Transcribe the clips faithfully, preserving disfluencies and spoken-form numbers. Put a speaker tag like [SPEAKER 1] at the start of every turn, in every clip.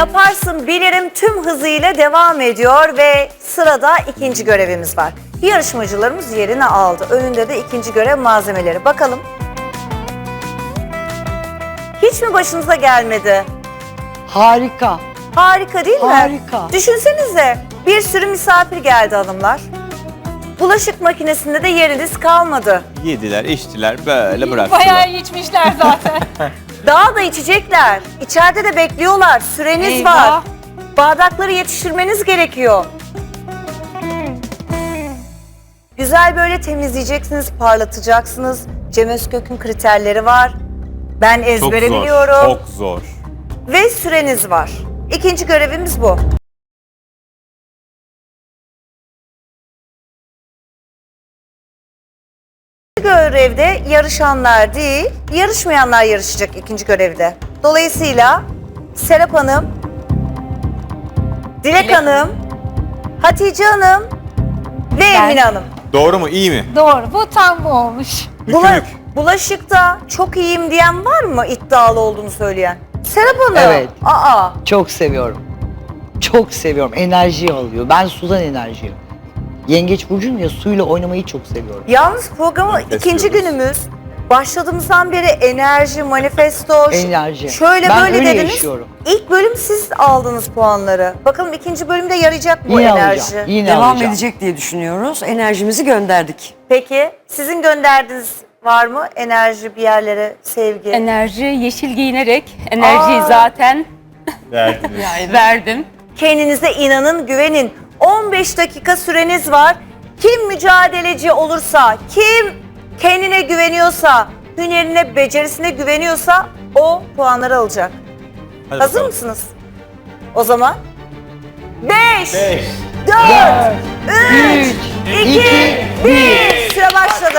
[SPEAKER 1] Yaparsın bilirim tüm hızıyla devam ediyor ve sırada ikinci görevimiz var. Yarışmacılarımız yerini aldı. Önünde de ikinci görev malzemeleri. Bakalım. Hiç mi başınıza gelmedi?
[SPEAKER 2] Harika.
[SPEAKER 1] Harika değil mi?
[SPEAKER 2] Harika.
[SPEAKER 1] Düşünsenize bir sürü misafir geldi hanımlar. Bulaşık makinesinde de yeriniz kalmadı.
[SPEAKER 3] Yediler, içtiler, böyle bıraktılar.
[SPEAKER 4] Bayağı içmişler zaten.
[SPEAKER 1] Daha da içecekler. İçeride de bekliyorlar. Süreniz
[SPEAKER 4] Eyvah.
[SPEAKER 1] var. Bardakları yetiştirmeniz gerekiyor. Güzel böyle temizleyeceksiniz, parlatacaksınız. Cem Özkök'ün kriterleri var. Ben
[SPEAKER 3] Çok
[SPEAKER 1] ezbere
[SPEAKER 3] zor,
[SPEAKER 1] biliyorum.
[SPEAKER 3] çok zor.
[SPEAKER 1] Ve süreniz var. İkinci görevimiz bu. Görevde yarışanlar değil, yarışmayanlar yarışacak ikinci görevde. Dolayısıyla Serap Hanım, Dilek
[SPEAKER 4] Dilek.
[SPEAKER 1] Hanım, Hatice Hanım ve Emine Hanım.
[SPEAKER 3] Doğru mu, iyi mi?
[SPEAKER 4] Doğru, bu tam bu olmuş.
[SPEAKER 1] Bula-
[SPEAKER 3] Mükü
[SPEAKER 1] bulaşıkta çok iyiyim diyen var mı, iddialı olduğunu söyleyen? Serap Hanım.
[SPEAKER 2] Evet.
[SPEAKER 1] Aa.
[SPEAKER 2] Çok seviyorum. Çok seviyorum. Enerji alıyor. Ben sudan enerji alıyorum. Yengeç burcuyum ya, suyla oynamayı çok seviyorum.
[SPEAKER 1] Yalnız programı
[SPEAKER 3] Manifest
[SPEAKER 1] ikinci
[SPEAKER 3] diyoruz.
[SPEAKER 1] günümüz. Başladığımızdan beri enerji, manifesto, ş-
[SPEAKER 2] Enerji.
[SPEAKER 1] şöyle
[SPEAKER 2] Ben
[SPEAKER 1] böyle
[SPEAKER 2] öyle
[SPEAKER 1] dediniz.
[SPEAKER 2] yaşıyorum.
[SPEAKER 1] İlk bölüm siz aldınız puanları. Bakalım ikinci bölümde yarayacak mı bu
[SPEAKER 2] Yine
[SPEAKER 1] enerji?
[SPEAKER 2] alacağım. Yine
[SPEAKER 5] Devam
[SPEAKER 2] alacağım.
[SPEAKER 5] edecek diye düşünüyoruz. Enerjimizi gönderdik.
[SPEAKER 1] Peki sizin gönderdiğiniz var mı enerji bir yerlere, sevgi?
[SPEAKER 4] Enerji yeşil giyinerek, enerjiyi
[SPEAKER 1] Aa.
[SPEAKER 4] zaten
[SPEAKER 3] Verdiniz.
[SPEAKER 4] verdim.
[SPEAKER 1] Kendinize inanın, güvenin. on beş dakika süreniz var. Kim mücadeleci olursa, kim kendine güveniyorsa, hünerine, becerisine güveniyorsa o puanları alacak.
[SPEAKER 3] Hadi
[SPEAKER 1] Hazır
[SPEAKER 3] bakalım.
[SPEAKER 1] mısınız? O zaman beş,
[SPEAKER 3] Beş.
[SPEAKER 1] dört, üç,
[SPEAKER 2] Üç,
[SPEAKER 1] iki,
[SPEAKER 2] iki,
[SPEAKER 1] bir. Süre başladı.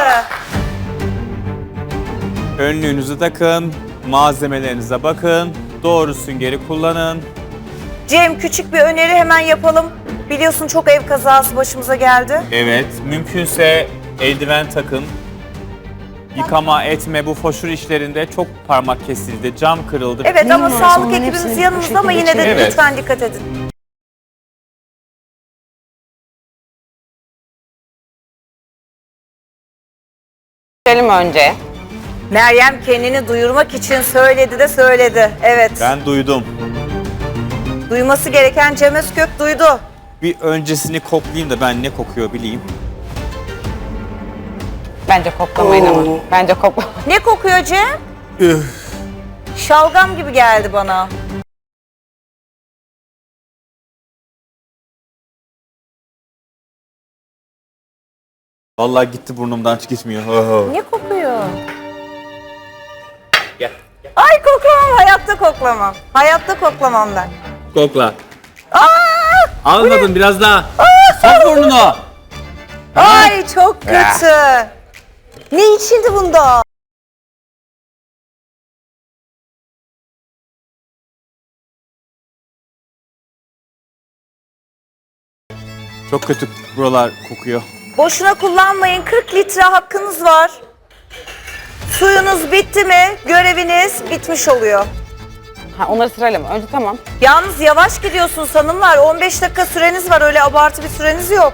[SPEAKER 3] Önlüğünüzü takın, malzemelerinize bakın, doğru süngeri kullanın.
[SPEAKER 1] Cem, küçük bir öneri hemen yapalım. Biliyorsun çok ev kazası başımıza geldi.
[SPEAKER 3] Evet, mümkünse eldiven takın. Yıkama etme bu foşur işlerinde çok parmak kesildi, cam kırıldı.
[SPEAKER 1] Evet ama
[SPEAKER 5] varsa
[SPEAKER 1] sağlık
[SPEAKER 5] onların
[SPEAKER 1] ekibimiz
[SPEAKER 5] hepsini
[SPEAKER 1] yanımızda
[SPEAKER 5] bu
[SPEAKER 1] ama
[SPEAKER 5] şekilde
[SPEAKER 1] yine de
[SPEAKER 3] çekelim. Evet.
[SPEAKER 1] lütfen dikkat edin.
[SPEAKER 6] Geçelim önce.
[SPEAKER 1] Meryem kendini duyurmak için söyledi de söyledi. Evet.
[SPEAKER 3] Ben duydum.
[SPEAKER 1] Duyması gereken Cem Özkök duydu.
[SPEAKER 3] Bir öncesini koklayayım da ben ne kokuyor bileyim.
[SPEAKER 6] Bence koklamayın ama. Bence kokla.
[SPEAKER 1] Ne kokuyor Cem?
[SPEAKER 3] Üf.
[SPEAKER 1] Şalgam gibi geldi bana.
[SPEAKER 3] Vallahi gitti burnumdan hiç gitmiyor. Oho.
[SPEAKER 1] Ne kokuyor?
[SPEAKER 3] Gel.
[SPEAKER 1] Ay koklamam, hayatta koklamam. Hayatta koklamam ben.
[SPEAKER 3] Kokla.
[SPEAKER 1] Aa!
[SPEAKER 3] Almadın biraz daha. Sok burnunu.
[SPEAKER 1] Ay çok kötü. Ne içildi bunda?
[SPEAKER 3] Çok kötü buralar kokuyor.
[SPEAKER 1] Boşuna kullanmayın. kırk litre hakkınız var. Suyunuz bitti mi göreviniz bitmiş oluyor.
[SPEAKER 6] Ha, onları sırayla mı? Önce tamam.
[SPEAKER 1] Yalnız yavaş gidiyorsunuz hanımlar. on beş dakika süreniz var. Öyle abartı bir süreniz yok.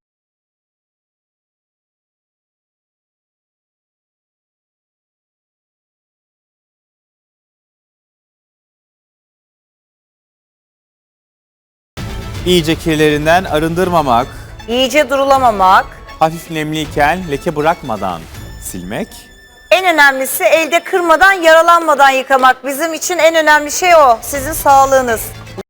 [SPEAKER 3] İyice kirlerinden arındırmamak,
[SPEAKER 1] İyice durulamamak.
[SPEAKER 3] hafif nemliyken leke bırakmadan silmek.
[SPEAKER 1] En önemlisi elde kırmadan, yaralanmadan yıkamak. Bizim için en önemli şey o. Sizin sağlığınız.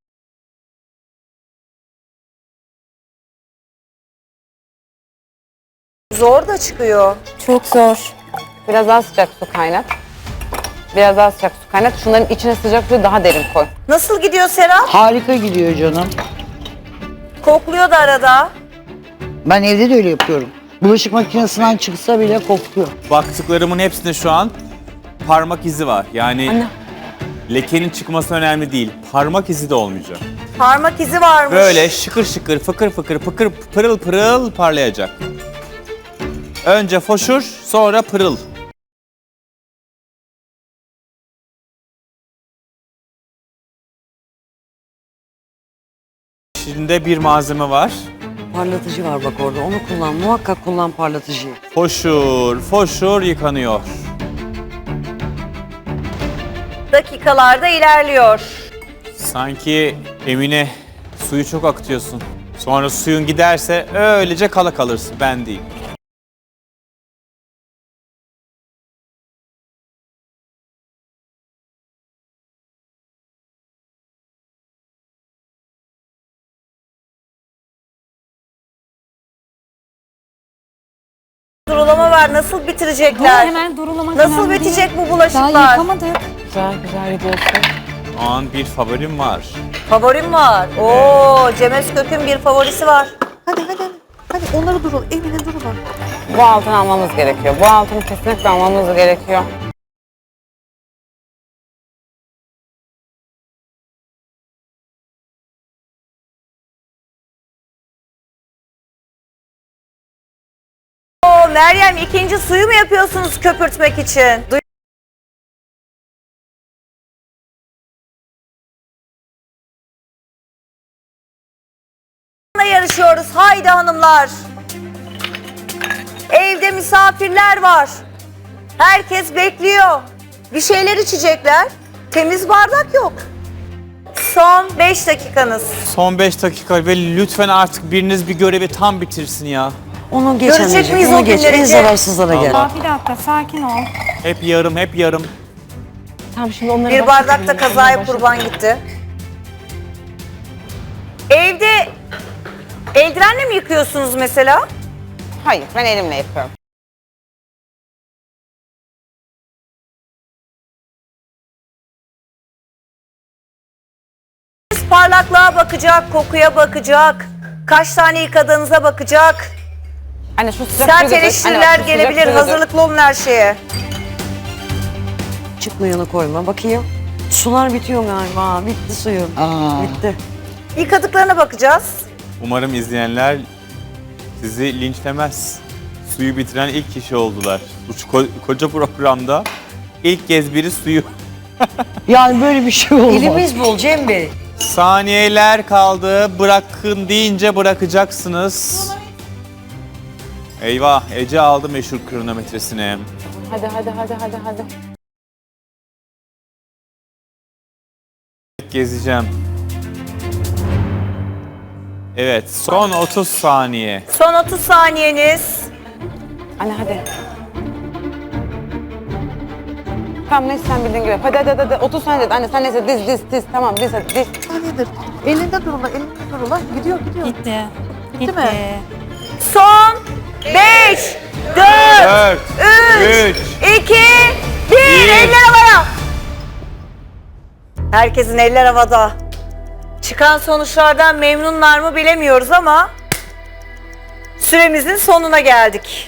[SPEAKER 1] Zor da çıkıyor.
[SPEAKER 4] Çok zor.
[SPEAKER 6] Biraz daha sıcak su kaynat. Biraz daha sıcak su kaynat. Şunların içine sıcak suyu daha derin koy.
[SPEAKER 1] Nasıl gidiyor Serap?
[SPEAKER 2] Harika gidiyor canım.
[SPEAKER 1] Kokluyor da arada.
[SPEAKER 2] Ben evde de öyle yapıyorum. Bulaşık makinesinden çıksa bile kokuyor.
[SPEAKER 3] Baktıklarımın hepsinde şu an parmak izi var. Yani lekenin çıkması önemli değil. Parmak izi de olmayacak.
[SPEAKER 1] Parmak izi varmış.
[SPEAKER 3] Böyle şıkır şıkır, fıkır fıkır, fıkır pırıl pırıl parlayacak. Önce foşur, sonra pırıl. içinde bir malzeme var.
[SPEAKER 5] Parlatıcı var bak orada. Onu kullan. Muhakkak kullan parlatıcıyı.
[SPEAKER 3] Foşur, foşur yıkanıyor.
[SPEAKER 1] Dakikalarda ilerliyor.
[SPEAKER 3] Sanki Emine suyu çok akıtıyorsun. Sonra suyun giderse öylece kala kalırsın. Ben değil.
[SPEAKER 1] Durulama var. Nasıl
[SPEAKER 4] Dur,
[SPEAKER 1] bitirecekler?
[SPEAKER 4] hemen durulamak
[SPEAKER 1] Nasıl
[SPEAKER 4] önemli değil.
[SPEAKER 1] bitecek bu
[SPEAKER 4] Daha
[SPEAKER 1] bulaşıklar?
[SPEAKER 4] yıkamadık.
[SPEAKER 6] Güzel güzel gidiyorsun.
[SPEAKER 3] Şu an bir favorim var.
[SPEAKER 1] Favorim var. Oo, Cem Özkök'ün bir favorisi var.
[SPEAKER 7] Hadi hadi hadi. Hadi onları durul. Evine durma.
[SPEAKER 6] Bu altını almamız gerekiyor. Bu altını kesinlikle almamız gerekiyor.
[SPEAKER 1] Oo, Meryem ikinci suyu mu yapıyorsunuz köpürtmek için? Duy- yarışıyoruz. Haydi hanımlar. Evde misafirler var. Herkes bekliyor. Bir şeyler içecekler. Temiz bardak yok. Son beş dakikanız.
[SPEAKER 3] Son beş dakika ve lütfen artık biriniz bir görevi tam bitirsin ya.
[SPEAKER 5] Onu geç
[SPEAKER 1] Görecek
[SPEAKER 5] anneciğim.
[SPEAKER 1] miyiz
[SPEAKER 5] Onu
[SPEAKER 1] o
[SPEAKER 5] geç.
[SPEAKER 1] günleri
[SPEAKER 5] En
[SPEAKER 1] Cem?
[SPEAKER 5] zararsızlara gel.
[SPEAKER 3] Allah.
[SPEAKER 4] Aa, bir dakika sakin ol.
[SPEAKER 3] Hep yarım, hep yarım.
[SPEAKER 6] Tamam şimdi onları
[SPEAKER 1] Bir bardakta kazaya kurban gitti. Evde eldivenle mi yıkıyorsunuz mesela?
[SPEAKER 6] Hayır ben elimle yapıyorum.
[SPEAKER 1] Parlaklığa bakacak, kokuya bakacak, kaç tane yıkadığınıza bakacak.
[SPEAKER 6] Anne şu sıcak
[SPEAKER 1] Sert
[SPEAKER 6] suyu götür.
[SPEAKER 1] eleştiriler
[SPEAKER 6] Anne, bak, şu sıcak
[SPEAKER 1] gelebilir,
[SPEAKER 6] suyu götür.
[SPEAKER 1] hazırlıklı olun her şeye.
[SPEAKER 5] Çıkmayanı koyma. Bakayım. Sular bitiyor galiba. Bitti suyun.
[SPEAKER 2] Aa.
[SPEAKER 5] Bitti.
[SPEAKER 1] Yıkadıklarına bakacağız.
[SPEAKER 3] Umarım izleyenler sizi linçlemez. Suyu bitiren ilk kişi oldular. Bu ko- koca programda ilk kez biri suyu.
[SPEAKER 2] Yani böyle bir şey olmaz.
[SPEAKER 5] Elimiz bol Cem Bey.
[SPEAKER 3] Saniyeler kaldı. Bırakın deyince bırakacaksınız. Eyvah, Ece aldı meşhur kronometresini.
[SPEAKER 6] Hadi hadi hadi hadi hadi.
[SPEAKER 3] Gezeceğim. Evet, son otuz saniye.
[SPEAKER 1] Son otuz saniyeniz.
[SPEAKER 6] Anne hadi. Tamam neyse sen bildiğin gibi. Hadi hadi hadi. hadi. otuz saniye dedi. Anne sen neyse diz diz diz. Tamam diz hadi diz.
[SPEAKER 7] Saniyedir. Elinde durula. Elinde durula. Gidiyor gidiyor.
[SPEAKER 4] Gitti. Gitti.
[SPEAKER 7] mi?
[SPEAKER 1] Son beş, dört,
[SPEAKER 3] Dört,
[SPEAKER 1] üç,
[SPEAKER 3] üç,
[SPEAKER 1] iki, bir.
[SPEAKER 3] bir.
[SPEAKER 1] Eller havaya. Herkesin eller havada. Çıkan sonuçlardan memnunlar mı bilemiyoruz ama süremizin sonuna geldik.